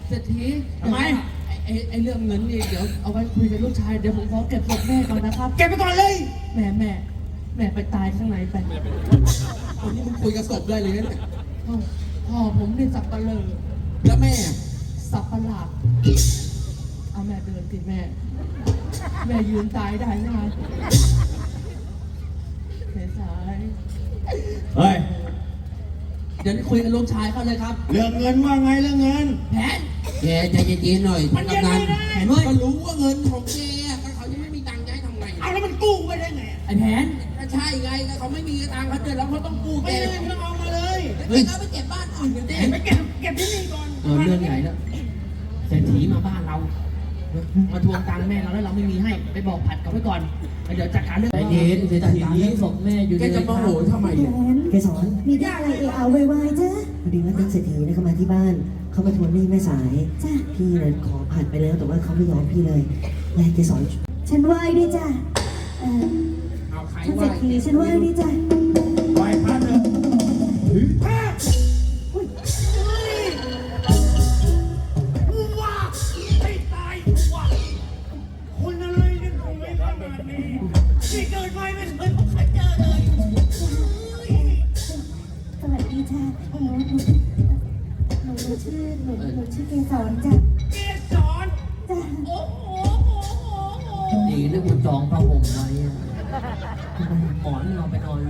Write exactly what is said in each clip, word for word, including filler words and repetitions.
เศรษฐีทำไมไอ้ไอ้เรื่องเงินนี่เดี๋ยวเอาไว้คุยกับลูกชายเดี๋ยวผมขอเก็บศพแม่ก่อนนะครับเก็บไปก่อนเลยแม่แม่แม่ไปตายข้างในไปวันนี้มึงคุยกับศพได้เลยนะเนี่ยพ่อพ่อผมนี่สับปะเลอแล้วแม่สับประหลาดเอาแม่เดินสิแม่ แม่ยืนตายได้ไหมเสียสายเฮ้ยเดี๋ยวคุยกับลูกชายเขาเลยครับเรื่องเงินว่าไงเรื่องเงินแผนแกใจเย็นๆหน่อยมันยังกำนัไม่นได้แผนเว้ยก็รู้ว่าเงินของแกก็เขายังไม่มีตังค์จะให้ทำไงเอาแล้วมันกู้ไปได้ไงไอ้แผนก็ใช่ไงก็เขาไม่มีตังค์เขาเดือดร้อนเขาต้องกู้แกไม่ได้ไม่ต้องเอามาเลยเฮ้ยเขาไปเก็บบ้านอื่นกันดิไปเก็บเก็บที่นี่ก่อนเออเรื่องใหญ่แล้วเศรษฐีมาบ้านเรา มาทวงตังค์แม่เราแล้วเราไม่มีให้ไปบอกผัดเขาไว้ก่อนแล้วเดี๋ยวจัดการเรื่องใจเย็นเศรษฐีจัดการเรื่องศพแม่อยู่แกจะมาโหยทำไมแหเนี่ยวนเกสรมีได้อะไรเอะเอาไวๆจ้ะพอดีว่าท่านเศรษฐีนะเขามาที่บ้าน เขามาทวงหนี้แม่สายจ้ะพี่นะขอผัดไปแล้วแต่ว่าเขาไม่ยอมพี่เลยแม่เกสรฉันไหว้ด้วยจ้ะเอ่อเอาใครท่านไหเศรษฐีฉันไหว้ด้วยจ้ะไหวพัดเลยถือผ้าอุ้ยกูว่าให้ตายกูว่าคนอะไรเนี่ยทำไมขนาดนี้นี่เกิดมาไม่เคยพบเจอเลยสวัสดีจ้ะหนูหนูหนูหนูชื่อหนูหนูชื่อเกสรจ้ะเกสรจ้ะโอ้โหโอ้โหโอ้โหดีเรื่องมันจองผ้าห่มไว้อะหมอนเราไปนอนเลย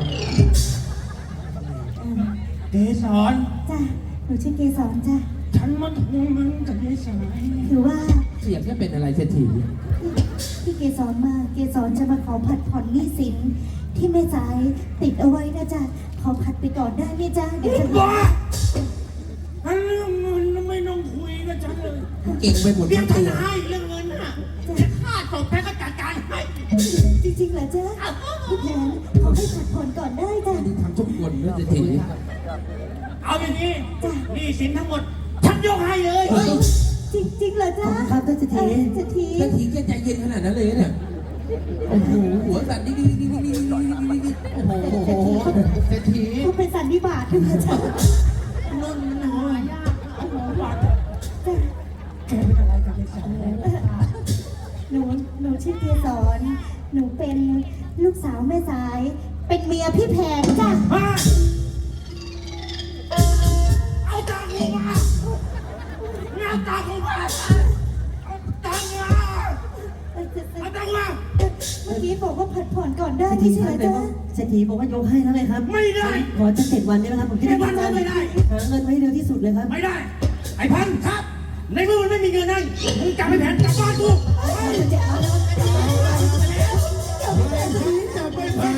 เอ่อเกสรจ้ะหนูชื่อเกสรจ้ะฉันมาทวงเงินกับเกสรคือว่าเสียงแค่เป็นอะไรเศรษฐีที่เกสรมาเกสรจะมาขอผัดผ่อนหนี้สินที่แม่สายติดเอาไว้นะจ๊ะขอผัดไปก่อนได้ไหมจ๊ะเดี๋ยวจะบ้าอันเรื่องเงินไม่ต้องคุยกับฉันเลยเก่งไปหมดเดี๋ยทั้วงฉันตัวให้เรื่องเงินน่ะจะฆ่าศพแพ้ก็จัดการให้จริงๆเหรอจ๊ะพี่แผนขอให้ผัดผ่อนก่อนได้จ้ะนี่ทำทุกคนเรื่องเศรษฐีเอาอย่างนี้หนี่สินทั้งหมด ฉันยกให้เลยจริงๆเหรอจ๊ะครับท่านเศรษฐีเอ่อเศรษฐีเศรษฐีแกใจเย็นขนาดนั้นเลยเนี่ยโอ้โหหัวสั่นดิ๊กดิ๊กดิ๊กดิ๊กดิ๊กดิ๊กดิ๊กดิ๊กโอ้โหโอ้โหเศรษฐีเขาเป็นสันนิบาตด้วยนะจ๊ะนุ่นหนูยากโอ้โหบาดจ้ะแกเป็นอะไรกับไอ้สองหนูหนูชื่อเกสรหนูเป็นลูกสาวแม่สาย เป็นเมียพี่แผนจ้ะฮะเอาตังค์กูมาเอาตังค์กูมาเอาตังค์มาเอ่อเอ่อเอาตังค์มาเมื่อกี้บอกว่าผัดผ่อนก่อนได้เศรษไม่ฐีใช่คเหรรับอแต่จ๊ะว่าเศรษฐีบอกว่ายกให้แล้วไงครับไม่ได้ขอจะเจ็ดวันได้ไหมครับผมจะได้เจ็ดวันก็ไม่ได้หาเงินไว้เร็วที่สุดเลยครับไม่ได้ ไอ้พันครับ ในเมื่อมันไม่มีเงินให้มึงกลับไปแผนกลับบ้านกูจะเอาแล้วจะไปแผน